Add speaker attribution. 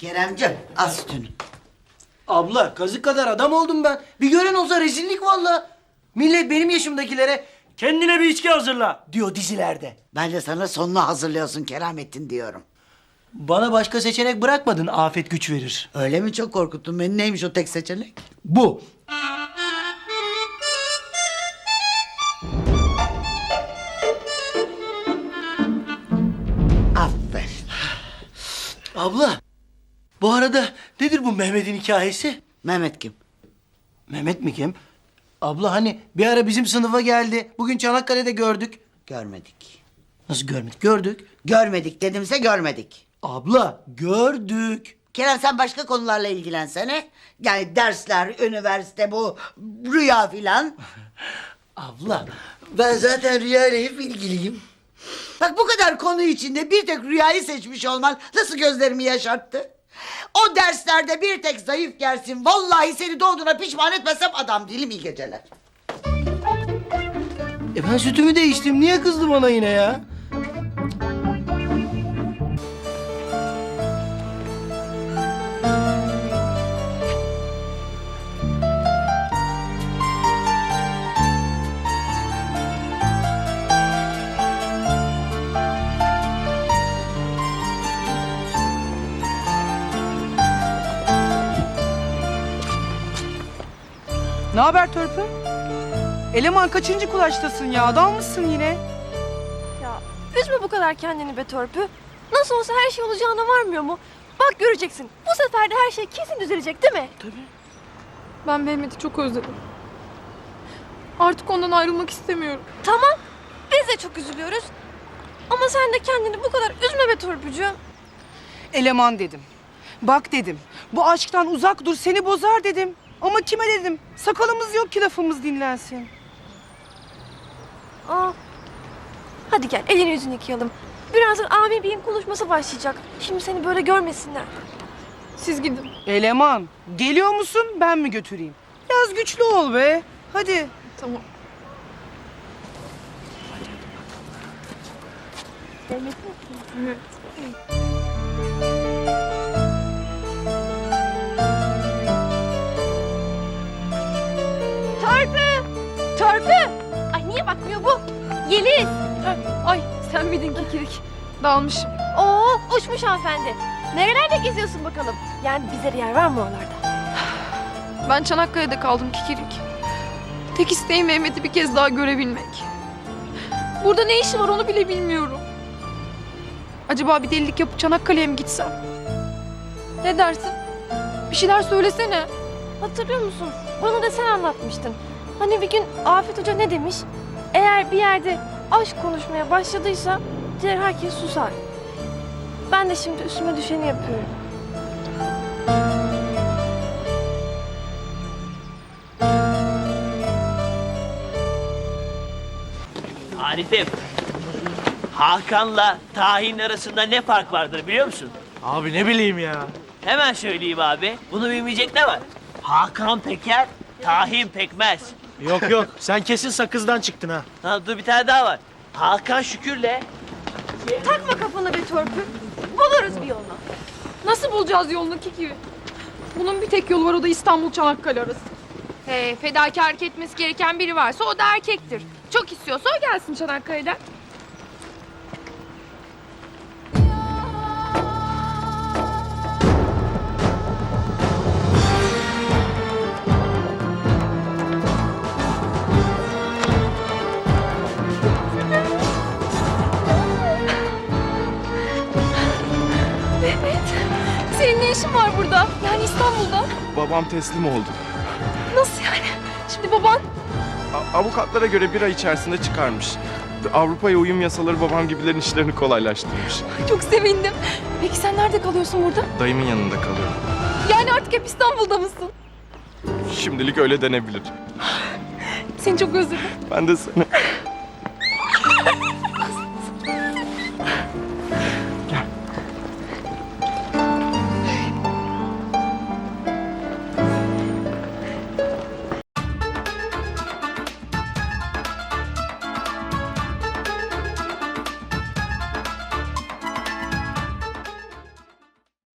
Speaker 1: Keremciğim al sütünü.
Speaker 2: Abla kazık kadar adam oldum ben. Bir gören olsa rezillik vallahi. Millet benim yaşımdakilere kendine bir içki hazırla diyor dizilerde.
Speaker 1: Ben de sana sonunu hazırlıyorsun Keramettin diyorum.
Speaker 2: Bana başka seçenek bırakmadın, afet güç verir.
Speaker 1: Öyle mi, çok korkuttun beni? Neymiş o tek seçenek?
Speaker 2: Bu.
Speaker 1: Aferin.
Speaker 2: Abla, bu arada nedir bu Mehmet'in hikayesi?
Speaker 1: Mehmet kim?
Speaker 2: Mehmet mi kim? Abla hani bir ara bizim sınıfa geldi. Bugün Çanakkale'de gördük.
Speaker 1: Görmedik.
Speaker 2: Nasıl görmedik? Gördük.
Speaker 1: Görmedik dedimse görmedik.
Speaker 2: Abla gördük.
Speaker 1: Kerem sen başka konularla ilgilensene. Yani dersler, üniversite, bu rüya filan.
Speaker 2: Abla ben zaten Rüya ile hep ilgiliyim.
Speaker 1: Bak bu kadar konu içinde bir tek rüyayı seçmiş olman nasıl gözlerimi yaşarttı? O derslerde bir tek zayıf gelsin. Vallahi seni doğduğuna pişman etmesem adam değilim, iyi geceler.
Speaker 2: Ben sütümü değiştim. Niye kızdı bana yine ya?
Speaker 3: Ne haber Törpü? Eleman kaçıncı kulaçtasın ya? Adam mısın yine?
Speaker 4: Ya üzme bu kadar kendini be Törpü. Nasıl olsa her şey olacağına varmıyor mu? Bak göreceksin. Bu sefer de her şey kesin düzelecek değil mi?
Speaker 3: Tabii.
Speaker 5: Ben Mehmet'i çok özledim. Artık ondan ayrılmak istemiyorum.
Speaker 4: Tamam. Biz de çok üzülüyoruz. Ama sen de kendini bu kadar üzme be Törpücüğüm.
Speaker 3: Eleman dedim. Bak dedim. Bu aşktan uzak dur, seni bozar dedim. Ama kime dedim? Sakalımız yok ki lafımız dinlensin.
Speaker 4: Aa. Hadi gel elini yüzünü yıkayalım. Birazdan abi beyin konuşması başlayacak. Şimdi seni böyle görmesinler.
Speaker 5: Siz gidin.
Speaker 3: Eleman, geliyor musun? Ben mi götüreyim? Biraz güçlü ol be. Hadi.
Speaker 5: Tamam. Evet.
Speaker 4: Törpü! Törpü! Ay niye bakmıyor bu? Yeliz!
Speaker 5: Ay sen miydin Kikirik? Dalmışım.
Speaker 4: Oo uçmuş hanımefendi. Nerelerde geziyorsun bakalım? Yani bize yer var mı oralarda?
Speaker 5: Ben Çanakkale'de kaldım Kikirik. Tek isteğim Mehmet'i bir kez daha görebilmek. Burada ne işi var onu bile bilmiyorum. Acaba bir delilik yapıp Çanakkale'ye mi gitsem? Ne dersin? Bir şeyler söylesene.
Speaker 4: Hatırlıyor musun? Bana da sen anlatmıştın. Hani bir gün Afet Hoca ne demiş? Eğer bir yerde aşk konuşmaya başladıysa diğer herkes susar. Ben de şimdi üstüme düşeni yapıyorum.
Speaker 6: Arif'im, Hakan'la Tahin arasında ne fark vardır biliyor musun?
Speaker 7: Abi ne bileyim ya.
Speaker 6: Hemen söyleyeyim abi. Bunu bilmeyecek ne var? Hakan peker, Tahin pekmez.
Speaker 7: Yok yok sen kesin sakızdan çıktın ha.
Speaker 6: Ha, dur bir tane daha var. Hakan Şükür'le
Speaker 4: Takma kafanı bir törpü. Buluruz bir yolunu.
Speaker 5: Nasıl bulacağız yolunu Kiki? Bunun bir tek yolu var, o da İstanbul Çanakkale arası. Fedakarlık etmesi gereken biri varsa o da erkektir. Çok istiyorsa o gelsin Çanakkale'den. Senin ne işin var burada? Yani İstanbul'da.
Speaker 8: Babam teslim oldu.
Speaker 5: Nasıl yani? Şimdi baban...
Speaker 8: Avukatlara göre bir ay içerisinde çıkarmış. Avrupa'ya uyum yasaları babam gibilerin işlerini kolaylaştırmış.
Speaker 5: Çok sevindim. Peki sen nerede kalıyorsun burada?
Speaker 8: Dayımın yanında kalıyorum.
Speaker 5: Yani artık hep İstanbul'da mısın?
Speaker 8: Şimdilik öyle denebilir.
Speaker 5: Seni çok özledim.
Speaker 8: Ben de seni.